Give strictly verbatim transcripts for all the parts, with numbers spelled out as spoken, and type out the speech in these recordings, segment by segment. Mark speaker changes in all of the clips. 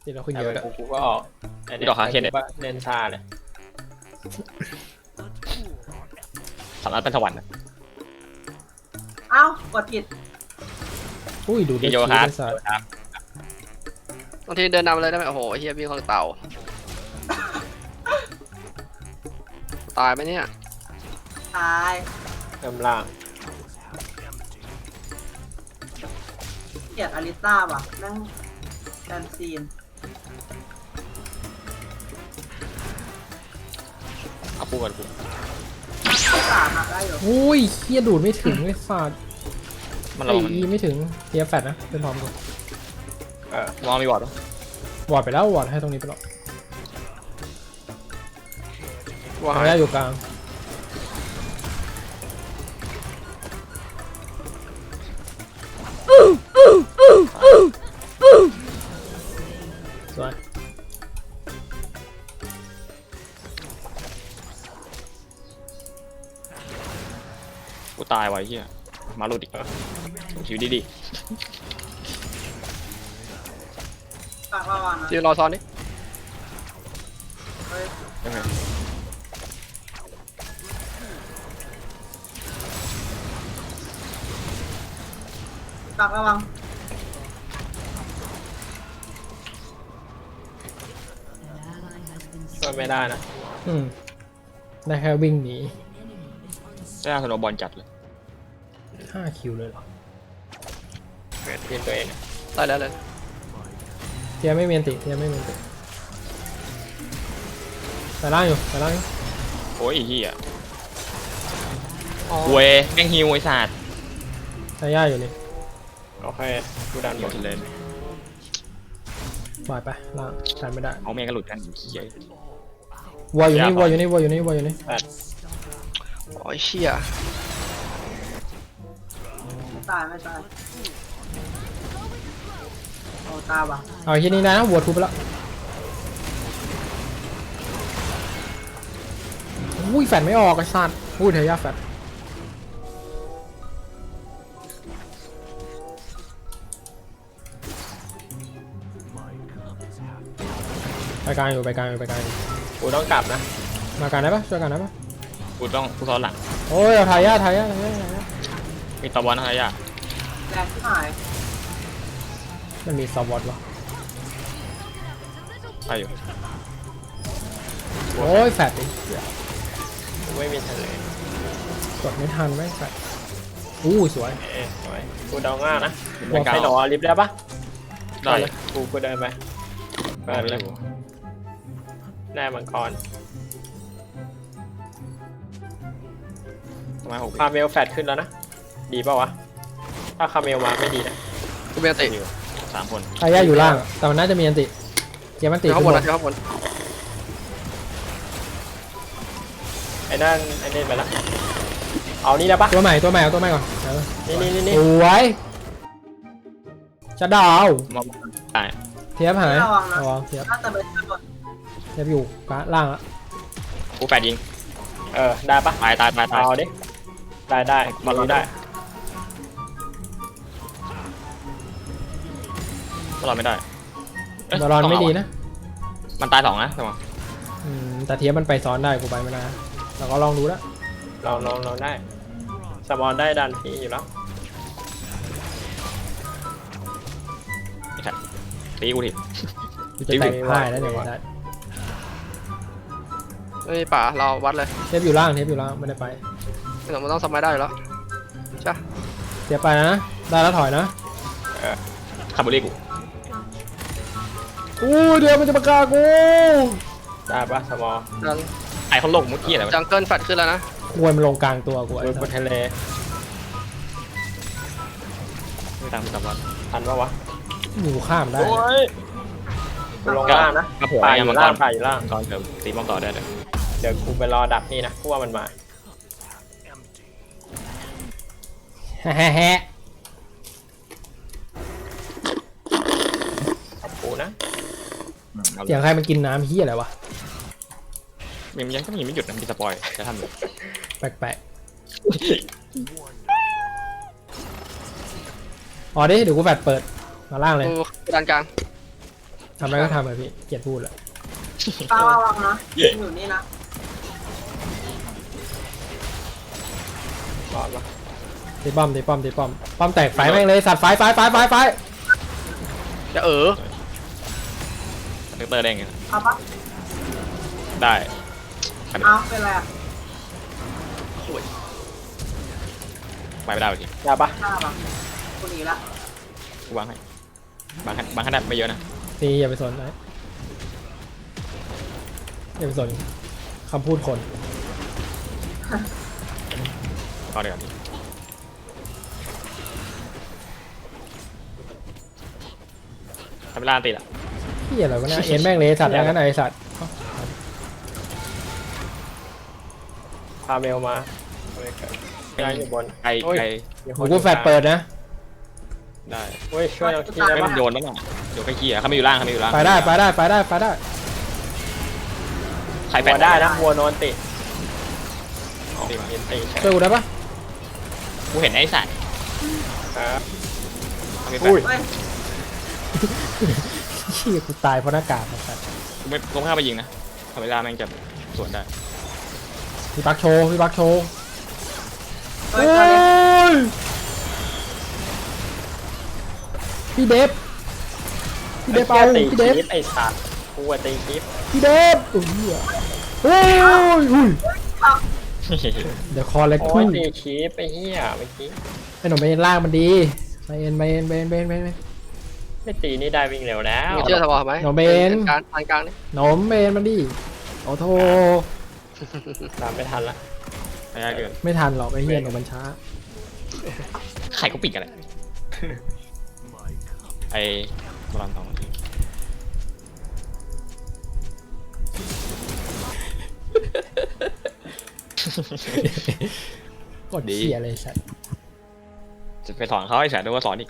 Speaker 1: ที่เราคุยเยอะแล้ว
Speaker 2: กูก็ออกดอกคาเคนเนี่ยเล่นชาเลยสามารถเป็นสวรรค์นะ
Speaker 3: เอ้ากดผิด
Speaker 1: อุ้ยดู
Speaker 2: ดี
Speaker 1: เด็ก
Speaker 2: โย
Speaker 1: ชี
Speaker 2: ฮาร์ด
Speaker 1: เป็นสัตว์
Speaker 4: บางทีเดินนำเลยได้ไหมโอ้โหเฮียวิ่งของเต่าตายไหมเนี่ย
Speaker 3: ตาย
Speaker 2: เริ่มล่าง
Speaker 3: เกลียดอลิต้าว่ะนั่งแดนซีน
Speaker 2: เอาปูกันปู
Speaker 3: สามอะได้อยู่
Speaker 1: อุ้ยเฮียดูดไม่ถึงเลยสัตว์
Speaker 2: มัน
Speaker 1: ไอ้
Speaker 2: เรามัน
Speaker 1: อีไม่ถึงเทียแฟดนะเป็นพร้อมกัน
Speaker 2: เออมองมีบอร์ด
Speaker 1: วอร์ดไปแล้ววอร์ดให้ตรงนี้ไปแล้ว
Speaker 4: ว่า
Speaker 1: ทางแรกอยู่กลางสวย
Speaker 2: กูตายไว้เฮียมาลุดอีกชีวิตดี
Speaker 3: ฝากระวังนะ
Speaker 4: ยืนรอซ้อนนี่
Speaker 3: เฮ้ย
Speaker 2: ๆยังไง
Speaker 3: ฝากระวัง
Speaker 2: ช่วยไม่ได้นะ
Speaker 1: อืมได้แค่วิ่งหนี
Speaker 2: ได้สโนบอลจัดเลย
Speaker 1: ห้าคิวเลยเหรอ
Speaker 2: เวททีมตัวเอง
Speaker 4: ได้แล้วเลย
Speaker 1: เทียไม่เมียนติเทียไม่เมียนติแต่ล่างอยู่แต่ล่างอยู่
Speaker 2: โอ้ยเฮียเวยแม่งฮิวไอ้สัตว์
Speaker 1: แต่ย่าอยู่นี่
Speaker 2: โอเคกูดันหมดเลย
Speaker 1: วายไปล่างทันไม่ได้
Speaker 2: เอาแม่งก็หลุดกันเฮียว
Speaker 1: อลอยู่นี่วอลอยู่นี่วอลอยู่นี่วอลอยู่นี่
Speaker 4: โอ้ยเชี่ย
Speaker 3: ไม่ตายไม่ตายโอ้ตายว่ะ
Speaker 1: เอาที่นี่นะวอลทูไปแล้วอุ้ยแฟดไม่ออกไอ้สัตว์อุ้ยเทียแฟดไปกลางอยู่ไปกลางอยู่ไปกลางอยู่
Speaker 2: กูต้องกลับนะ
Speaker 1: มากลางได้ปะช่วยกันได้ปะ
Speaker 2: กูต้องกูซ้อนหลัง
Speaker 1: โอ้ยเอาทายาทายาทายาทายา
Speaker 2: มีตะวันอะไรอ่ะ
Speaker 3: แรงที่หาย
Speaker 1: มันมีซอฟต์วอตวะ
Speaker 2: ไปอยู่
Speaker 1: โอ้ยแฟดอีก
Speaker 2: กูไม่มีทะเล
Speaker 1: กดไม่ทันไม่แฟดอู้สวย
Speaker 2: เอ๊ะสวยกูเดาง่ายนะ
Speaker 1: บอล
Speaker 2: ใครหนอลิฟต์ได้ปะ
Speaker 1: ได้
Speaker 2: เลยกูกูเดินไปเปิดเลยแน่มังกร ทำไมหกคาเมลแฟดขึ้นแล้วนะ ดีเปล่าวะ ถ้าคาเมลมาไม่ดีนะ
Speaker 4: กูเป็นติ
Speaker 2: สามคน
Speaker 1: ทายาอยู่ล่างอะแต่มันน่าจะมีอันติเกียร์มันติ
Speaker 4: เดี๋ยว
Speaker 1: ขึ้
Speaker 4: ข้าง
Speaker 1: น
Speaker 4: บบ น
Speaker 1: น
Speaker 4: นะเดี๋ยวข้างบน
Speaker 2: ไอ้นั่นไอ้นี่ไปละเอานี่ได้ปะ
Speaker 1: ตัวใหม่ตัวใหม่เอาตัวใหม่ก่อนเอา
Speaker 2: นี่นี่นี่นี่
Speaker 1: สวยจะดาว
Speaker 2: มาตาย
Speaker 1: เทียบหาย
Speaker 3: ระวังนะ
Speaker 1: ระวังเทียบ
Speaker 3: น่าจะเป็นข้างบน
Speaker 1: เทียบอยู่กลางล่างละ
Speaker 2: กูแปดยิง เออ ได้ปะตายตายตายตายเอาดิ ได้ได้บอลลูนได้บอลลูนไม่ได้เย
Speaker 1: บอลลอนไม่ดีนะ
Speaker 2: มันตายสองนะใช่ไหม
Speaker 1: อืมแต่เทียบมันไปซ้อนได้กูไปไม่ได้นะเราก็ลองดูแล้ว
Speaker 2: เราเราเราได้สมอนได้ดันพี่อยู่แล้วไม่ใช่ตีกูที
Speaker 1: กูจะแต่งพ่ายแล้วเนี่ยได้
Speaker 4: เฮ้ยป่าเราวัดเลย
Speaker 1: เทียบอยู่ล่างเทียบอยู่ล่างไม่ได้ไป
Speaker 4: ไม่ต้องมันต้องสมัยได้อยู่แล้วใช่
Speaker 1: เทียบไปนะได้แล้วถอยนะ
Speaker 2: เออคาร์บูรีกู
Speaker 1: อู้เดี๋ยวมันจะมากากู
Speaker 2: ได้ปะสมอ
Speaker 4: ดัน
Speaker 2: ไอ้เขาลงมุดกี้อะไรวะ
Speaker 4: จังเกิลแฟดขึ้นแล้วนะ
Speaker 1: ควรมันลงกลางตัวกูไอ้
Speaker 2: ดู
Speaker 1: สั
Speaker 2: บ
Speaker 1: ส
Speaker 2: นทะเลไม่ตามสมอนทันปะวะ
Speaker 1: อยู่ข้ามได้
Speaker 2: กูลงล่างนะ
Speaker 5: กระโผล่
Speaker 2: ป่าอ
Speaker 5: ยั
Speaker 2: ยู่
Speaker 5: งมังก
Speaker 2: ล่าง
Speaker 5: ร
Speaker 2: ป่าอยู่ล่าง
Speaker 5: มังกรเดี๋ยวตีป้อมต่อได้เลย
Speaker 2: เดี๋ยวกูไปรอดักนี่นะกูว่ามันมา
Speaker 1: แฮะแฮะ
Speaker 2: กับกูนะ
Speaker 1: เสียงใครมันกินน้ำเฮียอะไรวะ
Speaker 5: ยังยังก็มีไม่หยุดนะมีสปอยจะทำอยู่
Speaker 1: แปลกๆอ๋อดิเดี๋ยวกูแฟดเปิดมาล่างเลย
Speaker 4: กูดันกลาง
Speaker 1: ทำอะไรก็ทำไปพี่เกลียดพูดแหละ
Speaker 3: ตาระวังนะอยู่นี่นะ
Speaker 2: ก่อนปะ
Speaker 1: ตีป้อมตีป้อมตีป้อมป้อมแตกไฟแม่งเลยสัตว์ไฟไฟไฟไฟไฟ
Speaker 4: จะเออ
Speaker 5: เตอร์ได้ไง
Speaker 3: เอาปะ
Speaker 5: ได้
Speaker 3: เอาเป็นไรอ่ะ
Speaker 5: ไปไม่ได้จริง
Speaker 2: ยาปะ
Speaker 3: หน้าปะคุณอีกละ
Speaker 5: กูวางให้บางขนาดบางขนาดไม่เยอะนะ
Speaker 1: ตีอย่าไปสนนะอย่าไปสนคำพูดคน
Speaker 5: ก็เดี๋ยวพี่ทำเวลาตีละ
Speaker 1: เฮียอะไรวะเนี่ยเอ็นแม่งเลยสัตว์อย่างนั้นไอสัตว์
Speaker 2: พาเมลมาไม่เกิดย้ายอยู่บน
Speaker 5: ไกล
Speaker 2: โอ้ย
Speaker 5: ไกล
Speaker 2: มีค
Speaker 1: โอ้
Speaker 2: น
Speaker 1: กูแฟดเปิดนะ
Speaker 5: ได้
Speaker 2: เฮ้ยช่วยเราทีได้
Speaker 5: ไม่
Speaker 2: ปะ
Speaker 5: มันโยนแล้วน่ะโยนไปขี้อ่ะเขาไม่อยู่ล่างเขาไม่อยู่ล่าง
Speaker 1: ไปได้ไปได้ไปได้ไปได้
Speaker 5: ใครแฟ
Speaker 2: วั
Speaker 5: น
Speaker 2: วได้นะวัวโนนติ
Speaker 5: ตีมา
Speaker 2: เย็นตีใช่
Speaker 1: ช่วยกูได้ปะ
Speaker 5: กูเห็นไอ้สัตว์
Speaker 2: ครับ
Speaker 5: เขาไม่แฟ
Speaker 2: อุ้ย
Speaker 5: น
Speaker 3: เฮ้ย
Speaker 1: เฮียกูตายเพราะหน้ากากไอ้สัตว์
Speaker 5: กูไม่กูไม่เข้าไปยิงนะทำเวลาแม่งจะสวนได้
Speaker 1: พี่ปักโชว์พี่ปักโชว์
Speaker 3: เฮ้
Speaker 1: โอ้
Speaker 3: ยตอนนี้
Speaker 1: ยพี่เดฟพี่เดฟเอา
Speaker 2: ตี
Speaker 1: พี่เดฟ
Speaker 2: คลิปไอ้สัตว์กูอะตีคลิป
Speaker 1: พี่เดฟโอ้ยโอ้ยอุ้ยเดี๋ยวคอเล็ก
Speaker 2: โอ้
Speaker 1: คู่
Speaker 2: ยตีคลิปไอ้เหี้ยเมื่อกี้
Speaker 1: ไอ้หนุ่มไปเอ็นล่างมันดีไปเอ็นไปเอ็นไปเอ็นไปเอ็นไปเอ็น
Speaker 2: ไม่ตีนี่ได้วิ่งเร็วแล้ว
Speaker 4: มึงเชื่อสปอร์ตไหม
Speaker 1: โนเบน
Speaker 4: กลางกลางกลางนี่
Speaker 1: หนมไปเอ็นมันดีโอ้โถ
Speaker 2: ตามไม่ทันละ
Speaker 5: ไม่ได้เกิน
Speaker 1: ไม่ทันหรอกไอ้เหี้ยหนุ่มมันช้า
Speaker 5: ใครก็ปิดกันเลยไอ้บอลทองที
Speaker 1: กดเสียเลยสัตว์
Speaker 5: จะไปสอนเขาไอ้สัตว์ด้วยว่าสอนอีก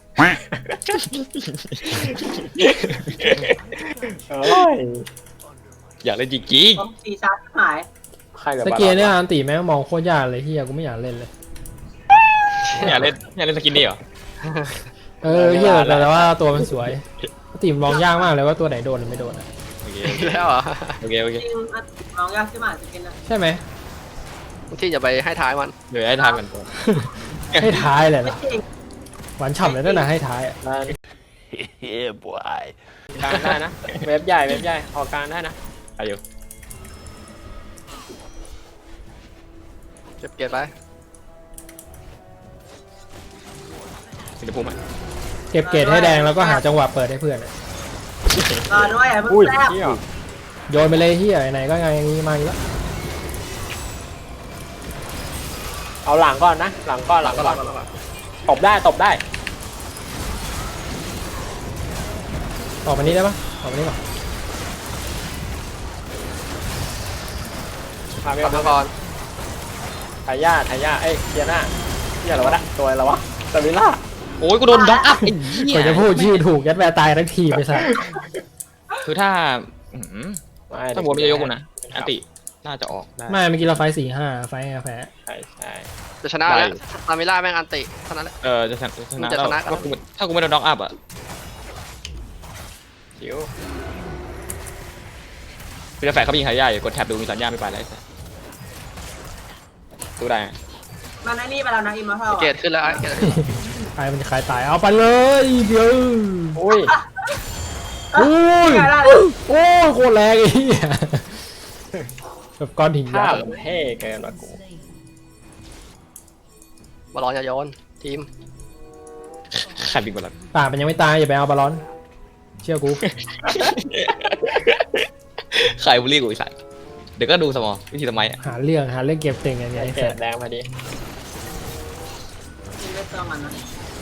Speaker 2: เอ้ย
Speaker 5: อยากเล่นจริง
Speaker 3: ต้องตีชาร์จหาย
Speaker 2: ใครเหลือ
Speaker 1: ส
Speaker 2: บา
Speaker 1: เกียร์เนี่ย
Speaker 2: ล
Speaker 1: อันตีแม่งมองโคตรยากเลยเฮียกูไม่อยากเล่นเลย
Speaker 5: ๆอยากเล่นอยากเล่นสกินนี่เหรอ
Speaker 1: เออเฮียแต่ว่าตัวมันสวยตีมมองยากมากเลยว่าตัวไหนโดนหรือไม่โดนอะ
Speaker 5: โอเค
Speaker 4: แล้วเหรอ
Speaker 5: โอเคโอเค
Speaker 3: จริงอ่ะน้องยากขึ้นมาจะเป็นนะ
Speaker 1: ใช่ไหม
Speaker 4: บางทีอย่าไปให้ท้ายมัน
Speaker 5: เดี๋ยวให้ทำกันตัว
Speaker 1: ให้ท้ายเลย
Speaker 3: ไม่
Speaker 1: นะ
Speaker 3: จริง
Speaker 1: หวานฉ่ำเลยนั่นนะให้ท้ายอะ
Speaker 2: ได้
Speaker 6: Yeah, boy.
Speaker 2: กลางได้นะ เว็บใหญ่เว็บใหญ่ออกกลางได้นะ
Speaker 5: อายุ
Speaker 4: เก็บเกียร์ไป
Speaker 5: สิงคโปร์มั้ย
Speaker 1: เก็บเกรดให้แดงแล้วก็หาจังหวะเปิดให้เพื่อนอะ
Speaker 3: รอด้วยอ่ะเพิ่ง
Speaker 2: อุ้ย
Speaker 3: แซ่บ
Speaker 2: เที่ยว
Speaker 1: โยนไปเลยเฮียไหนก็ไงอย่างงี้มาอีกแล้ว
Speaker 2: เอาหลังก่อนนะ หลังก่อนหลังก่อนตบได้ตบได้
Speaker 1: ออกมานี้ได้ปะออกมานี้ก่อน
Speaker 2: พาเม
Speaker 4: ก
Speaker 2: ล
Speaker 4: ลับมาก่อน
Speaker 2: ทายาทายาเอ้ยเทียน่าเทียอะไรวะนะตัวอะไรวะสวิล่า
Speaker 5: โอ้ยกูโดนด็อกอัพไอ้เหี้
Speaker 1: ก
Speaker 5: ย
Speaker 1: ว่าจะพูดชื่อถูกยัดแวร์ตายทั้งทีไปซะ
Speaker 5: คือถ้าอื้อหือถ้าโบนไม่ยกกูนะอันติน่าจะออกได้
Speaker 1: ไม่เมื่อกี้เราไฟสี่ห้าไฟแพ้
Speaker 2: ใช่ใช่
Speaker 4: จะชนะ
Speaker 5: ได้
Speaker 4: แล้วตามิล่าแม่งอันติเท่านั้นแหละ
Speaker 5: เออจะชนะชนะ
Speaker 4: จะ
Speaker 5: แล้ว
Speaker 4: ชนะ
Speaker 5: ถ้ากูถ้ากูไม่โดนด็อกอัพอ่ะ
Speaker 2: คิว
Speaker 5: พี่จะแฝงเขายิงใครได้อยู่กดแท็บดูมีสัญญาณไม่ไปแล้วไอ้สัสดูได้ไง
Speaker 3: มันไอ้นี่ไปแล้วนะอิมมอร์ทัล
Speaker 4: เกียร์ขึ้นแล้วไอ้เกียร์
Speaker 1: ใครมันจะใครตายเอาไปเลยเดี๋ยว
Speaker 2: อุ้ย
Speaker 1: โอ้ย
Speaker 3: ได้
Speaker 1: โอ้ยโคตรแรงไอ้เหี้ยแบบก้อนหิน
Speaker 2: ภา
Speaker 1: ยั
Speaker 2: พ
Speaker 1: กษ์
Speaker 2: มันเท่เกินว่ะกู
Speaker 4: บอลลอนอย่าโยนทีม
Speaker 5: ใครบินบอล
Speaker 1: ปากมันยังไม่ตายอย่าไปเอาบอลลอน เชื่อกู
Speaker 5: ใครบูลลี่กูไอ้สัสเดี๋ยวก็ดูสมองวิธีทำไมอ่ะ
Speaker 1: หาเรื่องหาเรื่องเก็บเต็งอย่างเงี้ย
Speaker 2: ไอ
Speaker 1: ไอ้
Speaker 2: เศ
Speaker 1: แฟ
Speaker 2: ษแดงพอดี
Speaker 3: ไม่เติมมันนะ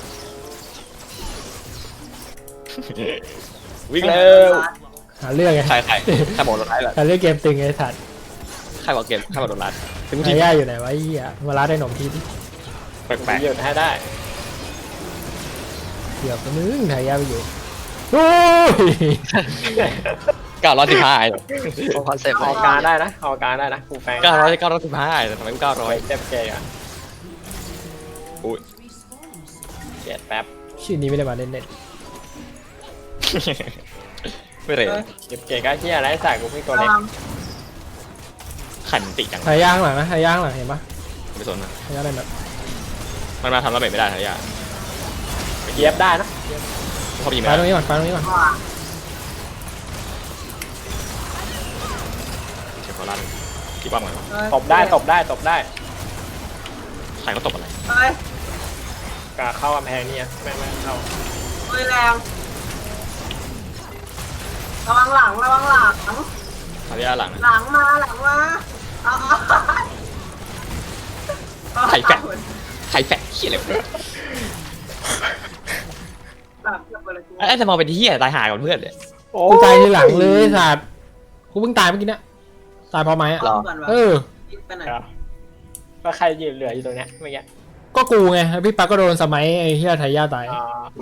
Speaker 5: วิ่งเร็ว
Speaker 1: หาเรื่องไง
Speaker 5: ใครใครใครบอกโดนร้ายเหรอ
Speaker 1: หาเรื่องเก็บเต็งไอ้สัตว์
Speaker 5: ใครบอกเกมใครบอกโดนร้ายถึงกู
Speaker 1: ไอ้
Speaker 5: ที
Speaker 1: ย่าอยู่ไหนวะไอ้เหี้ยมาล้าได้หนมทีดิ
Speaker 5: แปลก
Speaker 2: หยุดให้ได้
Speaker 1: เกือบนึงไทยย่าไปอยู่โอ้ย
Speaker 5: ๆเก้าร้อยสิบห้าไอ้
Speaker 4: โคอนเซ็ปต์
Speaker 2: ออกกลางได้นะออกกลางได้นะกูแฟง
Speaker 5: เก้าร้อยเก้าร้อยสิบห้าแต่ทำไมกูเก้าร้อย
Speaker 2: ไว้เจ็บเกย์อ่ะ
Speaker 5: อุ้ย
Speaker 2: เจ็ดแป๊บ
Speaker 1: ชื่อนี้ไม่ได้มาเล่นเน็ต
Speaker 5: ไม่เลย
Speaker 2: เก็บเก๋ก็เฮียอะไรใส่กูเพิ่งตัว
Speaker 3: ระ
Speaker 2: เล็ก
Speaker 3: วัง
Speaker 5: ขันติจัง
Speaker 1: ทายย่างหลังนะทายย่างหลังเห็นปะ
Speaker 5: ไม่สนนะ
Speaker 1: ทายย่างอะไรแบบ
Speaker 5: มันมาทำระเบิดไม่ได้ทายา
Speaker 2: เย็บได้นะ
Speaker 5: เขายิง
Speaker 1: ไฟ
Speaker 5: ไม่
Speaker 1: ตรง
Speaker 5: ได้
Speaker 1: นี้ก่อนไฟตรงนี้ก่อน
Speaker 3: ระวัง
Speaker 5: เช็คเขาลั่นกี่ป้อมกันวะ
Speaker 3: เฮ้ย
Speaker 2: ตบได้ตบได้ตบได้
Speaker 5: ใครเขาตบอะไร
Speaker 3: เฮ้ย
Speaker 2: กาเข้ากำแพงนี่แม่งไม่เข้า
Speaker 3: เฮ้ยแรงระวังหลังระวังหลัง
Speaker 5: ทายาหลัง
Speaker 3: หลังมาหลังมาเอาเอา
Speaker 5: ไข่แฟะไข่แฟะเหี้ยอะไรวะ
Speaker 3: หลังเกือบไปเลยกู
Speaker 5: ไอ้จะมองเป็นเหี้ยตายหายกับเพื่อนเลย
Speaker 2: โอ้
Speaker 1: กูตายทีหลังเลยสัตว์กูเพิ่งตายเมื่อกี้เนี่ยตายเพราะไม้อะ
Speaker 3: เอาก่อนวะ
Speaker 1: เออ
Speaker 3: ไปไหน
Speaker 2: ก็ใครยืนเหลืออยู่ตรงเนี้ยเมื่อกี้
Speaker 1: ก็กูไงแล้วพี่ปักก็โดนสมัยไอ้เฮียไทยย่าตาย
Speaker 2: อ่า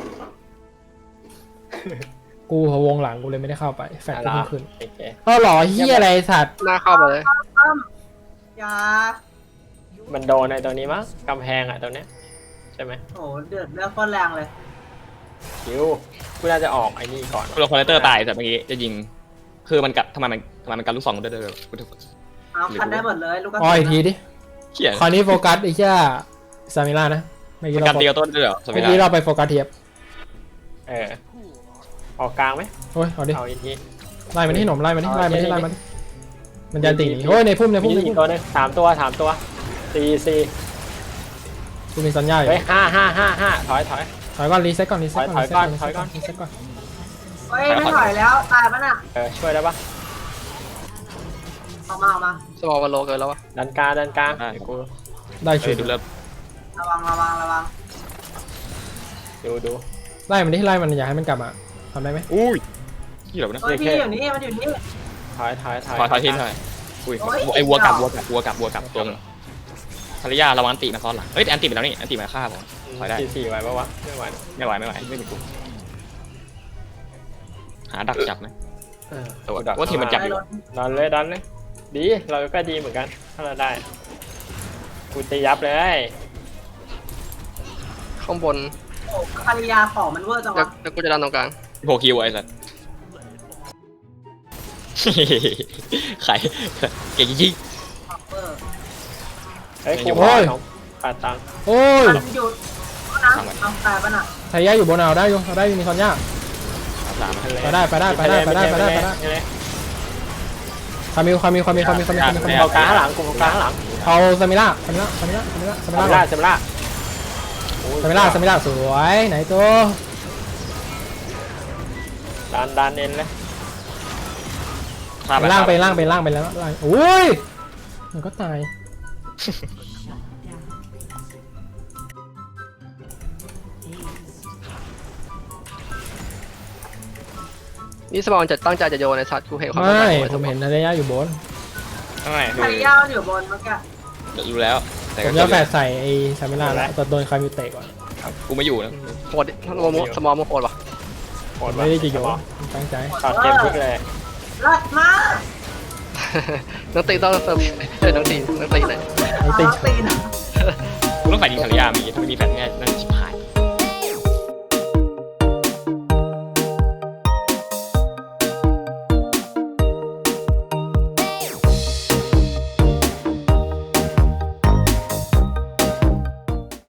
Speaker 1: กูพะวงหลังกูเลยไม่ได้เข้าไปแฟดก็เพิ่งขึ้น
Speaker 2: โอเค
Speaker 1: เออหรอเฮียอะไรสัตว์
Speaker 4: หน้าเข้ามาเลย
Speaker 3: อ้ำอย่า
Speaker 2: มันโดนในตัวนี้มั้งกำแพงอ่ะตัวเนี้ยใช่ไหม
Speaker 3: โอ้เดือดเลือดโคตรแรงเลย
Speaker 2: คิวกูน่าจะออกไอ้นี่ก่อน
Speaker 5: โลคอลเลเตอร์ตายแต่เมื่อกี้จะยิง คือมันกัดทำไมมันทำไมมันกัดลูกซองได้ด้วย
Speaker 3: เอาคันได้หมดเลยลูกกระ
Speaker 1: อ๋อ
Speaker 3: สุ
Speaker 1: อีกที
Speaker 3: น
Speaker 1: ดิ
Speaker 5: เหี้ย
Speaker 1: คราวนี้โฟกัสไอ้เหี้ยซามิล่านะเมื่อกี้
Speaker 5: มันกั
Speaker 1: เรา
Speaker 5: ดเดียวต้นด้วยเหรอส
Speaker 1: เมื่
Speaker 5: มิ
Speaker 1: อกี้
Speaker 5: ธา
Speaker 1: เราไปโฟกัสเทียบ
Speaker 2: เออออกกลางไหม
Speaker 1: โอ้ยเอาดิ
Speaker 2: เอาอีกที
Speaker 1: ไล่มันที่หนมไล่มันที่
Speaker 2: เอา
Speaker 1: ไล่มันที่
Speaker 2: เอา
Speaker 1: ไล่มันที่มันจะตีโอ้ยในพุ่มในพุ่ม
Speaker 2: มี
Speaker 1: ใน
Speaker 2: อี
Speaker 1: พุ่
Speaker 2: ก
Speaker 1: ม
Speaker 2: ตัวหนึงสามตัวสามตัวสี่สี่
Speaker 1: กูมีสัญญาอยู่
Speaker 2: เฮ้ยห้าห้าห้าห้าถอยถอย
Speaker 1: ถอยก่อนรีเซ็ตก่อนรีเซ็ตก่อน
Speaker 2: ถอยก่อนถอยก่อน
Speaker 1: รีเซ็ตก่อน
Speaker 3: เฮ้ยไม่ถอยแล้วตายปะน่ะ
Speaker 2: เออช่วยได้ปะ
Speaker 3: ออกมาออกมา
Speaker 4: สมองมันโลเกินแล้ววะ
Speaker 2: ดันกลางดันกลางเดี๋ยวกู
Speaker 1: ได้
Speaker 5: เฮ้
Speaker 1: ชุ
Speaker 5: ย
Speaker 1: ด
Speaker 5: ดูเริ่ม
Speaker 3: ระวังระวังระวัง
Speaker 2: ดูดู
Speaker 1: ไล่มันที่ไล่มันอย่าให้มันกลับมาทำได้ไหม
Speaker 5: อุ้ยที่แบบนั้น
Speaker 3: เฮ้ยพี่อยู่นี่มันอยู่นี่
Speaker 2: ถอยถอยถอย
Speaker 5: ถอยถอยทีถอยอุ้ยไอ้วัวกลับวัวกลับวัวกลับวัวกลับตัวนึงภรรยาระวังอันติมาซ้อนหลังเฮ้ยแต่อันติไปแล้วนี่อันติมาฆ่าผม ถอยได้
Speaker 2: สี่สี่ไหวปะวะไม่ไหว
Speaker 5: ไม่ไหวไม่ไหวไม่มีกูหาดักจับไหม
Speaker 2: เออ
Speaker 5: แต่ว่าว่าทีมมันจับ
Speaker 3: ได้
Speaker 5: อยู่
Speaker 3: รถ
Speaker 2: ดันเลยดันเลยดีเราก็ดีเหมือนกันถ้าเราได้กูตียับเลย
Speaker 4: ข้างบน
Speaker 3: โอ้ภรรยาของมันเวอร์จัง
Speaker 4: เดี๋ยว
Speaker 3: วะ
Speaker 4: เดี๋ยวกูจะดันตรงกลาง
Speaker 5: โผคิวไอ้สัส ใครเก่งจริง
Speaker 3: เวอร์
Speaker 2: เฮ้ย
Speaker 5: ไม่
Speaker 2: กู
Speaker 5: อยู่
Speaker 2: พอของปาตังค์
Speaker 1: โอ้ย
Speaker 3: มันหยุดนะเอาตายปะน่ะ
Speaker 1: ไทยย่าอยู่บนเอาได้อยู่เอาได้อยู่มีสัญญา
Speaker 5: สาม
Speaker 1: ไปได้ไปได้ไปได้ไปได้ไปได้ไปได้คามิวคามิวคามิวคามิวคามิวคามิวคามิว
Speaker 2: เอากลางข้างหลังกูเอากลางข้างหลัง
Speaker 1: เอาซามิล่าซามิล่าซามิล่าซามิล่าซามิ
Speaker 2: ซา
Speaker 1: ล่า
Speaker 2: มิล่าซามิล่า
Speaker 1: ซามิล่าซามิล่าสวยไหนตัว
Speaker 2: ดันดันเอ็นเลย
Speaker 1: ไปล่างไปล่างไปล่างไปแล้วล่างโอ้ยมันก็ตาย
Speaker 4: นี่สมองจะตั้งใจจะโยนในสัตว์กูเห็นเขา
Speaker 1: ไม่
Speaker 4: ตั้งใจ
Speaker 1: ผมเห็นทะเลยาอยู่บน
Speaker 5: ทำไม
Speaker 3: ภรรยามันอยู่บนเมื่อกี้
Speaker 5: รู้แล้ว แต่
Speaker 1: ผ
Speaker 5: ก็
Speaker 1: มจะแฝดใส่ไอ้ซามิล่าแล้วแต่โดนคามิวเตะก่อน
Speaker 5: กูไม่อยู่นะ
Speaker 4: โหดสมองสมองมันโหดวะ
Speaker 2: โหด
Speaker 1: ไม่ได้จะโยนตั้งใจ
Speaker 2: ช็อตเกมพลิกเลย
Speaker 3: รัดมา
Speaker 4: นักตีต้องเติมเอ้ยนักตีนักตีเลย
Speaker 1: ไอ้ติด
Speaker 3: เอาตีน
Speaker 5: กูต้องฝ่ายยิงภรรยามีถ้าไม่มีแฟนแน่น่าจะชิบหาย